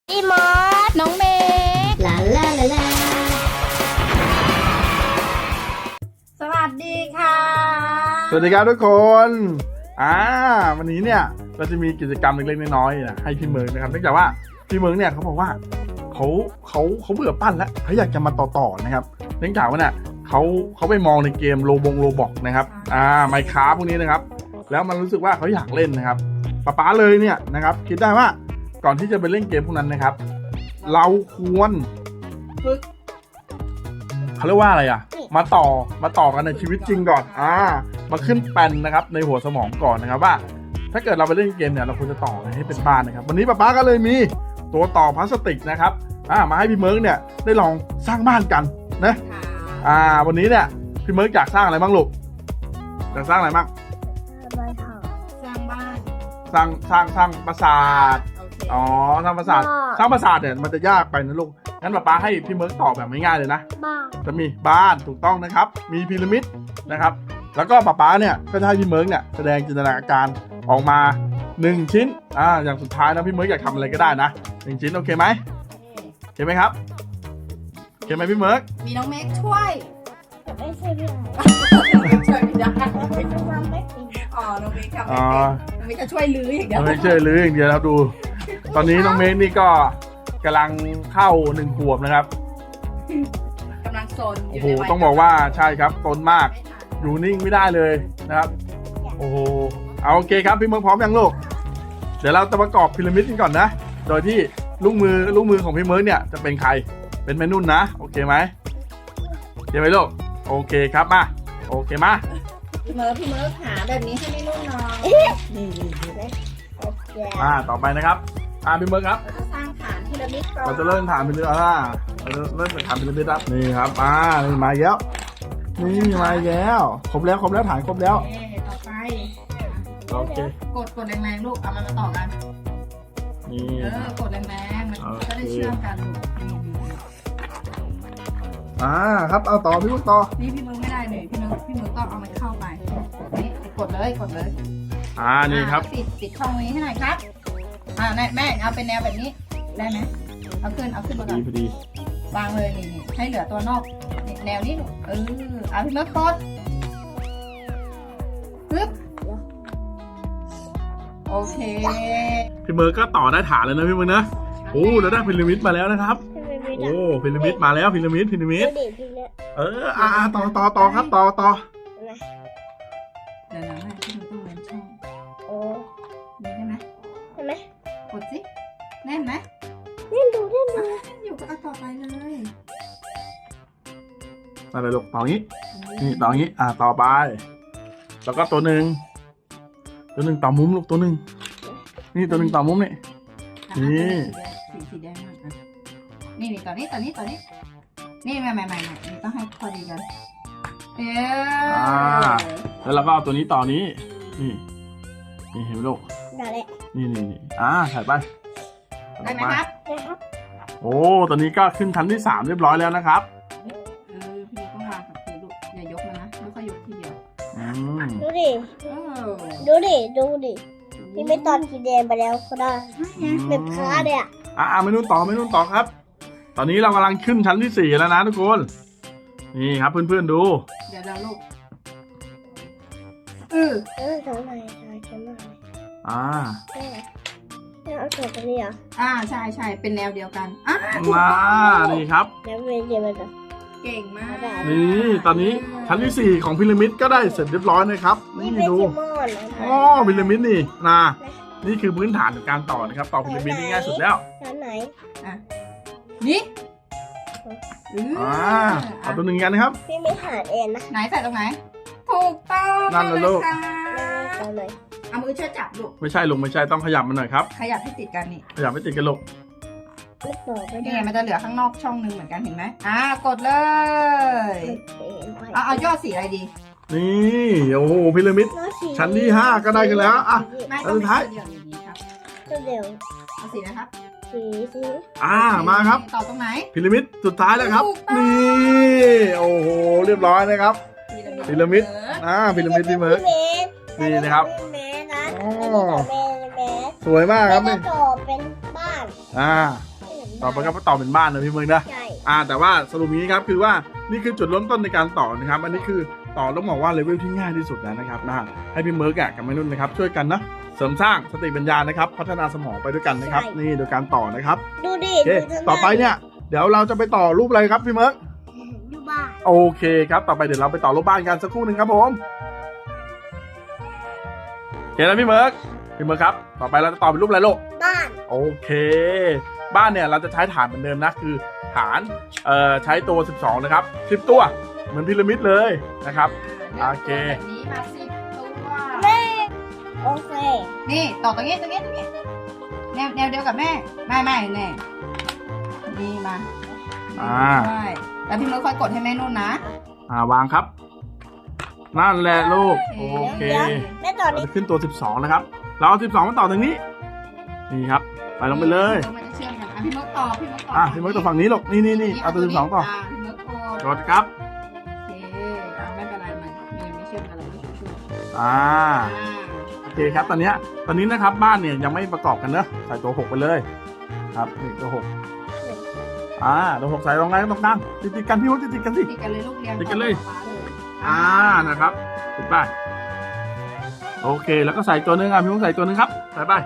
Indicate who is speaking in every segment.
Speaker 1: พี่มอส
Speaker 2: น้องเมย์
Speaker 1: ลาลาลาลา
Speaker 2: สวัสดีค่ะ
Speaker 3: สวัสดีครับทุกคนวันนี้เนี่ยเราจะมีกิจกรรมเล็กๆน้อยๆนะให้พี่เมิร์กนะครับเนื่องจากว่าพี่เมิร์กเนี่ยเขาบอกว่าเขาเบื่อปั้นแล้วเขาอยากจะมาต่อนะครับเนื่องจากว่าเนี่ยเขาไปมองในเกมโรบอกนะครับไมค์คราฟพวกนี้นะครับแล้วมันรู้สึกว่าเขาอยากเล่นนะครับป๊าเลยเนี่ยนะครับคิดได้ว่าก่อนที่จะไปเล่นเกมพวกนั้นนะครับเราควรฝึกเขาเรียกว่าอะไรมาต่อกันในชีวิตจริงก่อนมาขึ้นแปลนนะครับในหัวสมองก่อนนะครับว่าถ้าเกิดเราไปเล่นเกมเนี่ยเราควรจะต่อให้เป็นบ้านนะครับวันนี้ป๊าก็เลยมีตัวต่อพลาสติกนะครับมาให้พี่เมิร์กเนี่ยได้ลองสร้างบ้านกันนะวันนี้เนี่ยพี่เมิร์กอยากสร้างอะไรบ้างลูกอยากสร้างอะไรบ้าง
Speaker 2: สร้างบ้าน
Speaker 3: สร้างปราสาทสร้างปราสาทเนี่ยมันจะยากไปนะลูกงั้นป๊าให้พี่เมิร์กตอบแบบง่ายๆเลยนะจะมีบ้านถูกต้องนะครับมีพีระมิดนะครับแล้วก็ป๊าเนี่ยก็จะให้พี่เมิร์กเนี่ยแสดงจินตนาการออกมา1ชิ้นอย่างสุดท้ายนะพี่เมิร์กอยากทำอะไรก็ได้นะ1ชิ้นโอเคไหมโอเคไหมครับโอเคไหมพี่เมิร์ก
Speaker 2: มีน้องเมฆช่วย
Speaker 1: ไม่ใช่พี่
Speaker 2: ช่วยไม่ได้น้องเมฆทำไม่เป็นน้องเมฆจะช่วยลื้ออย่างเดียว
Speaker 3: ไม่ช่วยลื้ออย่างเดียวครับดูตอนนี้น้องเมฆนี่ก็กำลังเข้า1 ขวบนะครับ
Speaker 2: กำลังโซน
Speaker 3: โอ้โหต้องบอกว่าใช่ครับโซนมากอยู่นิ่งไม่ได้เลยนะครับโอ้โหเอาโอเคครับพี่เมิร์กพร้อมยังลูกเดี๋ยวเราจะประกอบพีระมิดกันก่อนนะโดยที่ลูกมือของพี่เมิร์กเนี่ยจะเป็นใครเป็นแม่นุ่นนะโอเคไหมโอเคไหมลูกโอเคครับมาโอเคมา
Speaker 2: พี่เมิร์กหาแบบนี้ให้ไม่นุ่นนอนนี่
Speaker 3: ต่อไปนะครับพี่เมิร์กครับ
Speaker 2: เราจะสร้างฐานพีระมิดก่อน
Speaker 3: เราจะเริ่มฐานพีระมิดเริ่มจากฐานพีระมิดครับนี่ครับนี่มาแล้วนี่มาแล้วครบแล้วฐานครบแล้ว
Speaker 2: ต่อไป
Speaker 3: โอเค
Speaker 2: กดแรงๆลูกเอามันมาต่อกัน
Speaker 3: นี่
Speaker 2: กดแรงๆมันก็ได้เชื่อมกัน
Speaker 3: ครับเอาต่อพี่เมิร์กต่อ
Speaker 2: นี่พี่เมิร์กไม่ได้เลยพี่เมิร์กต้องเอามันเข้าไปนี่กดเลย
Speaker 3: นี่ครับ
Speaker 2: ปิดช่องนี้ให้หน่อยครับแม่เอาเป็นแนวแบบนี้ได้ไหมเอาขึ้นมาก่อน
Speaker 3: พอดี
Speaker 2: วางเลยนี่ให้เหลือตัวนอกแนวนี้เอาพี่เมิร์กกดปึ๊บโอเค
Speaker 3: พี่เมิร์กก็ต่อได้ฐานแล้วนะพี่เมิร์กนะโอ้เราได้พีระมิดมาแล้วนะครับโอ้พีระมิดมาแล้วพีระมิดต่อครับต่อ
Speaker 2: เดี๋ยวนะพี่เมิร์กต้องเว้นช่องนี่ได้ไหมกดสิแน่นไหม
Speaker 1: เล่นดู
Speaker 2: อยู่ก็เอาต่อไปเลย
Speaker 3: อะไรลูกต่องี้นี่ต่องี้ต่อไปแล้วก็ตัวหนึ่งต่อมุมลูกตัวหนึ่งนี่ตัวหนึ่งต่อมุมนี่
Speaker 2: สีแดงมากนี่ต่อนี้นี่ใหม่นี่ต้องให้พอดีกัน
Speaker 3: แล้วเราก็เอาตัวนี้ต่อนี้นี่เห็นไหมลูก
Speaker 1: ได้เลย
Speaker 3: นี่ใส่ไป
Speaker 2: ได้ไหมครับ
Speaker 3: โอ้ตอนนี้ก็ขึ้นชั้นที่3เรียบร้อยแล้วนะครับ
Speaker 2: พี่ต้องวางกับพื้นลูกอย่ายกมันนะไม่ค่อยยกทีเดียว
Speaker 1: ดูดิพี่ไม่ตอนสีแดงไปแล้วก็ได้เป็นพาเลย
Speaker 3: ไม่นุ่นต่อครับ ตอนนี้เรากำลังขึ้นชั้นที่4แล้วนะทุกคนนี่ครับเพื่อนๆดู
Speaker 2: เดี๋ยวลูก
Speaker 1: ตรงไหนเอาส่วนตรงนี้เหรอ
Speaker 2: ใช่เป็นแนวเดียวกัน
Speaker 3: มานี่ครับ
Speaker 1: แล้วเป็นยังไง
Speaker 2: เก่งมาก
Speaker 3: นี่ตอนนี้ชั้นที่4ของพีระมิดก็ได้เสร็จเรียบร้อยนะครับนี่ดูพีระมิดนี่คือพื้นฐานของการต่อนะครับต่อพีระมิดนี่ง่ายสุดแล้ว
Speaker 1: ชั้นไหน
Speaker 2: นี่
Speaker 3: เอาตัวหนึ่งกันนะครับ
Speaker 1: พี่ไม่หาเองนะ
Speaker 2: ไหนใส่ตรงไหนถูกต้อง
Speaker 3: นั่นเลยลูก
Speaker 2: เอามือช่วยจับลูก
Speaker 3: ไม่ใช่ลุงไม่ใช่ต้องขยับมันหน่อยครับ
Speaker 2: ขยับให้ติดกันนี่
Speaker 3: ขยับให้ติดกันลูก
Speaker 2: นี่มันจะเหลือข้างนอกช่องนึงเหมือนกันเห็นไหมกดเลยเอายอดสีอะไรดี
Speaker 3: นี่โอ้โหพีระมิดชั้นที่5ก็ได้กันแล้ว
Speaker 2: สุดท้าย
Speaker 1: เดี๋ยว
Speaker 2: เอาสีนะครับ
Speaker 3: มาครับ
Speaker 2: ต่อตรงไหน
Speaker 3: พีระมิดสุดท้ายแล้วครับนี่โอ้โหเรียบร้อยนะครับพีระมิดพีระมิดพี่เมิร์กนี่นะครับสวยมากครับนี่
Speaker 1: ต่อเป็นบ้าน
Speaker 3: ต่อไปก็ต่อเป็นบ้านนะพี่เมืองนะ
Speaker 1: ใช่
Speaker 3: แต่ว่าสรุปนี้ครับคือว่านี่คือจุดเริ่มต้นในการต่อนะครับอันนี้คือต่อต้องบอกว่าเลเวลที่ง่ายที่สุดแล้วนะครับให้พี่เมิร์กกับแม่นุ่นนะครับช่วยกันนะเสริมสร้างสติปัญญานะครับพัฒนาสมองไปด้วยกันนะครับนี่โดยการต่อนะครับ
Speaker 1: ดูดิ
Speaker 3: โอเคต่อไปเนี่ยเดี๋ยวเราจะไปต่อรูปอะไรครับพี่เมิร์ก
Speaker 1: ดูบ้าน
Speaker 3: โอเคครับต่อไปเดี๋ยวเราไปต่อรูปบ้านกันสักครู่หนึ่งครับผมโอเคแล้วพี่เมิร์กครับต่อไปเราจะต่อเป็นรูปอะไรลูก
Speaker 1: บ้าน
Speaker 3: โอเค บ้านเนี่ยเราจะใช้ฐานเหมือนเดิมนะคือฐานใช้ตัว12นะครับ10ตัวเหมือนพีระมิดเลยนะครับ โอเค
Speaker 2: แบบนี้มา10 ตัว
Speaker 1: แม่โอเค
Speaker 2: นี่ต่อตรงนี้แนวเดียวกับแม่ไม่แน่นี่มา ใช่แล้วพี่เมิร์กคอยกดให้แม่นุ่นนะ
Speaker 3: วางครับนั่นแหละลูกโอเค
Speaker 1: แม่ต่อ
Speaker 3: เรา
Speaker 1: นี้
Speaker 3: จะขึ้นตัว12นะครับเราเอา12มาต่อตรงนี้นี่ครับไปลงไปเลย
Speaker 2: มันจะเชื่อมกันพี่เมิร์กต่อ
Speaker 3: พี่เมิร์กต่อฝั่งนี้ลูกนี่เอาตัว12ต่อ
Speaker 2: พี่เมิร์กกด
Speaker 3: กดครับ
Speaker 2: โอเคไม่เป็นไรมันยังไม่เชื่อมกันเราไม่ช่วย
Speaker 3: โอเคครับตอนนี้นะครับบ้านเนี่ยยังไม่ประกอบกันเนอะใส่ตัว6ไปเลยครับนี่ตัว6ตัว6ใส่ตรงไหนตรงกลางติดกันพี่ว่าติดกันสิ
Speaker 2: ติดกันเลยลูกเรียง
Speaker 3: ติดกันเลย นะครับติดไปโอเคแล้วก็ใส่ตัวนึงพี่มุ้งใส่ตัวนึงครับใส่ไป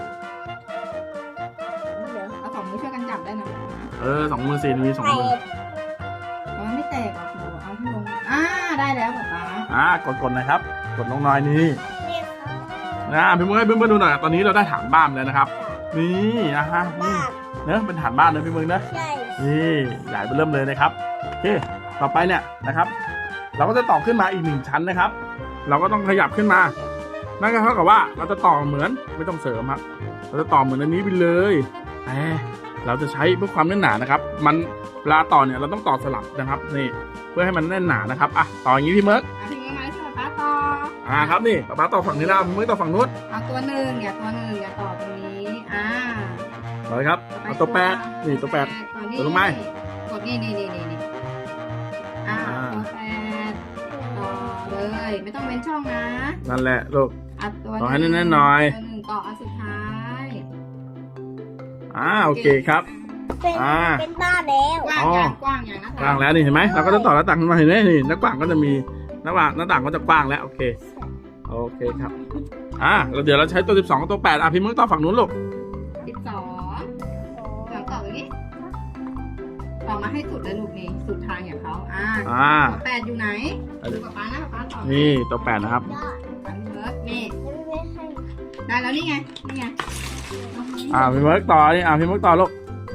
Speaker 2: เอา2 มือช่วยกันจับได้นะ
Speaker 3: 2 มือ4มี2 มือ
Speaker 2: มันไม่แตกหรอกหนูเอาที่ลงได้แล้วป๊า
Speaker 3: กดนะครับกดลงหน่อยนี่
Speaker 1: นี่ค่ะ
Speaker 3: พี่มุ้งให้เพื่อนๆดูหน่อยตอนนี้เราได้ฐานบ้านแล้วนะครับนี่นะฮะนี่
Speaker 1: บ้าน
Speaker 3: เนอะเป็นฐานบ้านนะพี่มุ้งนะ
Speaker 1: ใช่
Speaker 3: นี่ใหญ่ไปเริ่มเลยนะครับโอเคต่อไปเนี่ยนะครับ เราก็จะต่อขึ้นมาอีก1 ชั้นนะครับ เราก็ต้องขยับขึ้นมานั่นก็เท่ากับว่าเราจะต่อเหมือนไม่ต้องเสริมครับเราจะต่อเหมือนอันนี้ไปเลยแต่เราจะใช้เพื่อความแน่นหนานะครับมันเวลาต่อเนี่ยเราต้องต่อสลับนะครับนี่เพื่อให้มันแน่นหนานะครับต่ออย่างนี้พี่เมิร์ก
Speaker 2: ถึงยังไงใช่ไหมป๊าต่อ
Speaker 3: ครับนี่ป๊าต่อฝั่งนี้แล้วพี่เมิร์กต่อฝั่งนู้น
Speaker 2: เอาตัวหนึ่งอย่าต่อตรงนี้
Speaker 3: ต่อเลยครับเอาตัว8นี่ตัว8ตัวลงไม้
Speaker 2: กดนี่ตัว8ต่อเลยไม่ต้องเว้นช่องนะ
Speaker 3: นั่นแหละลูก
Speaker 2: ตัว
Speaker 3: ต่อให้แน่นๆหน่อย
Speaker 2: ตัว1ต่ออันสุดท้าย
Speaker 3: โอเคครับ
Speaker 1: เป็นบ้านแล้ว
Speaker 2: กว้างอย่างนะ
Speaker 3: กว้างแล้วนี่เห็นไหมเราก็จะต่อหน้าต่างมาเห็นไหมนี่หน้าต่างก็จะมีหน้าต่างก็จะกว้างแล้วโอเคครับแล้วเดี๋ยวเราใช้ตัว12กับตัว8พี่เมิร์กต่อฝั่งนู้นลูก
Speaker 2: 12แล้วต่อตรงนี้ต่อมาให้สุดเลยลูกนี่สุดทางอย่างเขาตัว8อยู่ไหนดูกับป๊านะป๊าต่อ
Speaker 3: นี่ตัว8นะครับ
Speaker 2: นี่ได้แล้วนี่ไง
Speaker 3: พี่เมิร์กต่อนี่พี่เมิร์กต่อลูก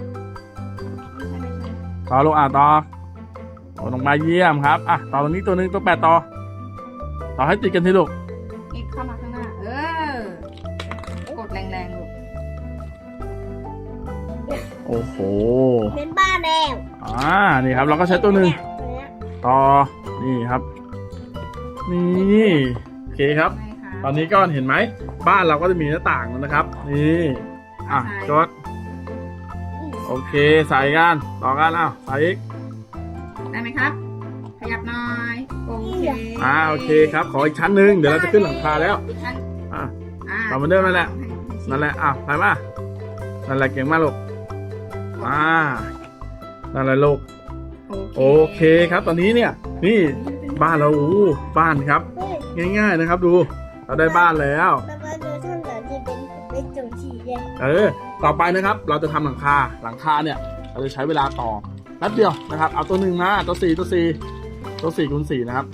Speaker 3: ต่อลงมาเยี่ยมครับต่อตรงนี้ตัวนึงตัว8ต่อให้ติดกันทีลูก
Speaker 2: นี่เข้ามาข้างหน้ากดแรงๆลูก
Speaker 3: โอ้โห
Speaker 1: เป็นบ้านแล้ว
Speaker 3: นี่ครับเราก็ใช้ตัวนึงต่อนี่ครับนี่โอเคครับตอนนี้ก็เห็นไหมบ้านเราก็จะมีหน้าต่างแล้วนะครับนี่จดโอเคใส่กันต่อกันใส่อีก
Speaker 2: ได้ไหมครับขยับหน่อยโอเค
Speaker 3: โอเคครับขออีกชั้นหนึ่งเดี๋ยวเราจะขึ้นหลังคาแล้วต่อเหมือนเดิมนั่นแหละใส่มานั่นแหละเก่งมากลูกนั่นแหละลูกโอเคครับตอนนี้เนี่ยนี่บ้านเราบ้านครับง่ายๆนะครับดูเราได้บ้านแล้ว
Speaker 1: มาดูท่านหลังที่เป็นจุดสีแดง
Speaker 3: ต่อไปนะครับเราจะทำหลังคาเนี่ยเราจะใช้เวลาต่อแป๊บเดียวนะครับเอาตัว1มาตัว4คูณ4นะครับ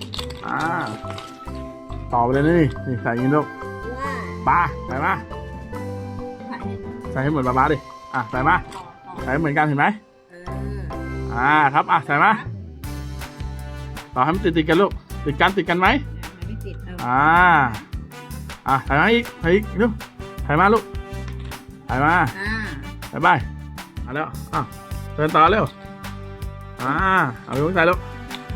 Speaker 3: ต่อไปเลยนี่ใส่ยิงลูกใส่มาใส่ให้เหมือนบ้าดิใส่มาใส่เหมือนกันเห็นไหมครับใส่มาต่อให้มันติดกันลูกติดกันไหม
Speaker 2: ไม่ติด
Speaker 3: ใส่มาอีกลูกใส่มาลูกใส่มาใส่ไปแล้วเดินต่อเร็วเอาไปใส่ลูก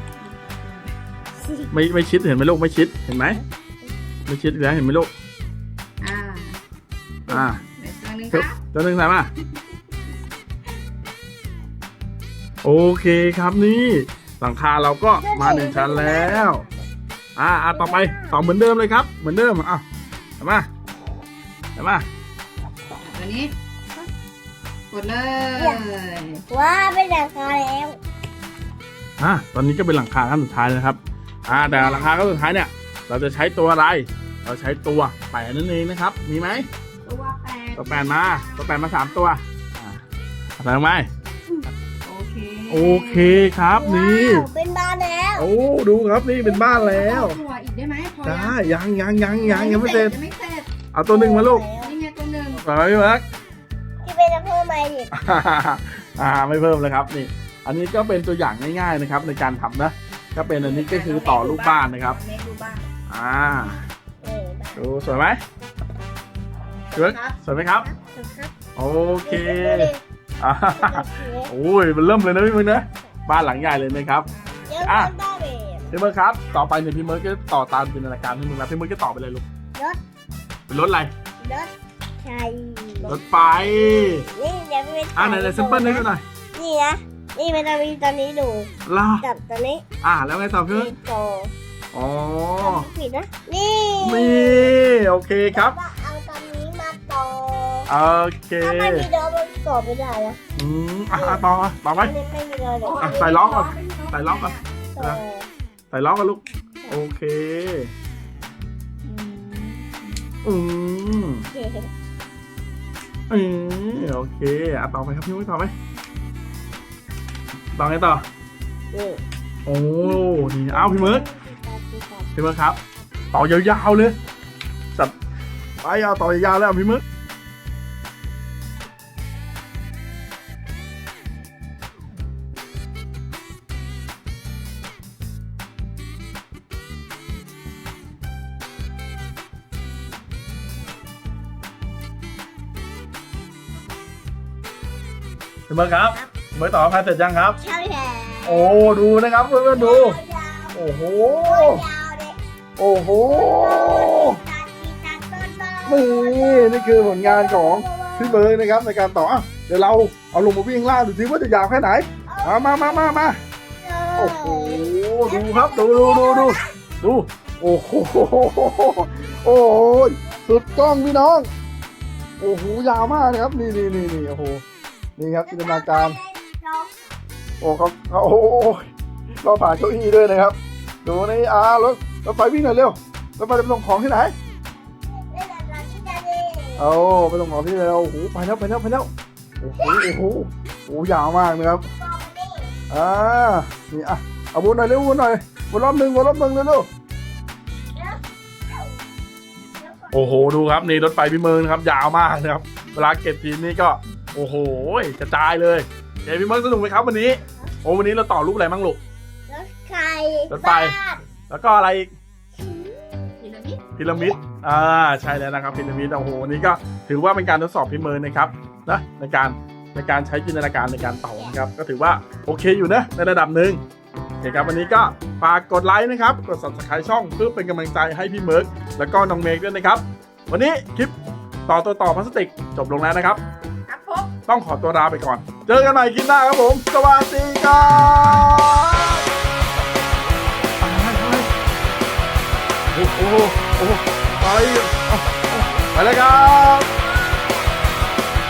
Speaker 3: ไม่ชิดเห็นไหมลูกไม่ชิดเห็นไหมไม่ชิดแล้วเห็นไหมลูกตัวหนึ่งใส่มาโอเคครับนี่หลังคาเราก็มา1 ชั้นแล้วต่อไปต่อเหมือนเดิมเลยครับเหมือนเดิมใส่มา
Speaker 2: ตัวนี้กดเลย
Speaker 1: ว้าเป็นหลังคาแล้ว
Speaker 3: ตอนนี้ก็เป็นหลังคาขั้นสุดท้ายนะครับแต่หลังคาขั้นสุดท้ายเนี่ยเราจะใช้ตัวอะไรเราใช้ตัวแปดนั่นเองนะครับมีไหม
Speaker 2: ตัวแปด
Speaker 3: ตัวแปดมา3 ตัวใส่ลงไป
Speaker 2: โอเค
Speaker 3: โอเคครับนี่
Speaker 1: ว้าวเป็นบ้านแล้ว
Speaker 3: โอ้ดูครับนี่เป็นบ้านแล้ว
Speaker 2: ตัวอีกได้ไหมพอ
Speaker 3: ได้ยังไม่เสร็จ
Speaker 2: ยังไม่เสร็จ
Speaker 3: เอาตัวหนึ่งมาลูก
Speaker 2: นี่ไงตัวหนึ่ง
Speaker 3: ใส่ไว้พี่เมิร์ก
Speaker 1: ที่เป็นจะเพิ่มมาอีก
Speaker 3: ไม่เพิ่มเลยครับนี่ อันนี้ก็เป็นตัวอย่างง่ายๆนะครับ ในการทำนะก็เป็นอันนี้ก็คือต่อรูปบ้านนะครับ
Speaker 2: เมฆดูบ้าน
Speaker 3: ดูสวยไหมพี่เมิร์กสวยไหมครับ โอเคอ่าโอ้ยมันเริ่มเลยนะพี่เมิร์กนะบ้านหลังใหญ่เลยนะครับ
Speaker 1: เยอะเป็นบ้านเลย
Speaker 3: พี่เมิร์กครับต่อไปเนี่ยพี่เมิร์กก็ต่อตามจินตนาการพี่เมิร์กนะพี่เมิร์กก็ต่อไปเลยลูก
Speaker 1: รถ
Speaker 3: เป็นรถอะไร
Speaker 1: รถใช่
Speaker 3: รถไฟ
Speaker 1: นี่เดี๋ยวเป็น
Speaker 3: ไหนซิมเปิลให้ดูหน่อย
Speaker 1: นี่นะนี่มันจะมีตอนนี้ดู
Speaker 3: ล่ะ
Speaker 1: จับตัวนี้
Speaker 3: แล้วไงต่อพี่เมิร์ก
Speaker 1: นี่โต
Speaker 3: อ๋อ
Speaker 1: ผิดนะนี่
Speaker 3: นี่โอเคครับ
Speaker 1: แล้วก็เอาตอนนี้มาโต
Speaker 3: โอเค
Speaker 1: ถ้าไม่มีโดนมันโตไม่ได้นะ
Speaker 3: ต่อไหม
Speaker 1: อันนี้ไม่มีโดนเดี๋ยว
Speaker 3: ใส่ล้อก่อนใส่ล้อก่อน
Speaker 1: โต
Speaker 3: ใส่ล้อกันลูกโอเคอืมโอเคต่อไปครับพี่มุ้ยต่อไหมต่อไงต่อ
Speaker 1: นี่
Speaker 3: โอ้นี่พี่เมิร์กครับต่อยาวๆเลยจัดไปเอาต่อยาวๆแล้วพี่เมิร์กพี่เมิร์กครับพี่เมิร์กต่อพายเสร็จยังครับ
Speaker 1: ใช่แล้ว
Speaker 3: โอ้ดูนะครับเพื่อนๆดู
Speaker 1: ยาว
Speaker 3: โอ้โห
Speaker 1: ยาวเลย
Speaker 3: โอ้โห
Speaker 1: ตัด
Speaker 3: นี่คือผลงานของพี่เบิร์กนะครับในการต่อเดี๋ยวเราเอาลงมาวิ่งล่างดูสิว่าจะยาวแค่ไหนมาโอ้โหดูครับดูโอ้โหโอ้โหสุดกล้องพี่น้องโอ้โหยาวมากนะครับนี่โอ้โหนี่ครับจินตนาการโอ้เขาโอ้โหเราผ่านเก้าอี้ด้วยนะครับดูนี่รถไฟวิ่งหน่อยเร็วรถไฟจะไปส่งของที่ไหนไปส่งของที่ไหนโอ้โหไปแล้วโอ้โหยาวมากนะครับนี่เอาวนหน่อยเร็ววนรอบหนึ่งเร็วโอ้โหดูครับนี่รถไฟพี่เมิร์กนะครับยาวมากนะครับเวลาเก็บทีนี่ก็โอ้โหกระจายเลยพี่เมิร์กสนุกไหมครับวันนี้วันนี้เราต่อรูปอะไรบ้างลูก รถไฟ แล้วก็อะไรอีกพีระมิดใช่แล้วนะครับพีระมิดโอ้โหนี่ก็ถือว่าเป็นการทดสอบพี่เมิร์กนะครับนะในการใช้จินตนาการในการต่อนะครับก็ถือว่าโอเคอยู่นะในระดับหนึ่งโอเคครับวันนี้ก็ฝากกดไลค์นะครับกด Subscribe ช่องเพื่อเป็นกำลังใจให้พี่เมิร์กแล้วก็น้องเมฆด้วยนะครับวันนี้คลิปต่อพลาสติกจบลงแล้วนะครับ
Speaker 2: ครับผม
Speaker 3: ต้องขอตัวลาไปก่อนเจอกันใหม่คลิปหน้าครับผมสวัสดีครับโอ้โหไปเลยครับ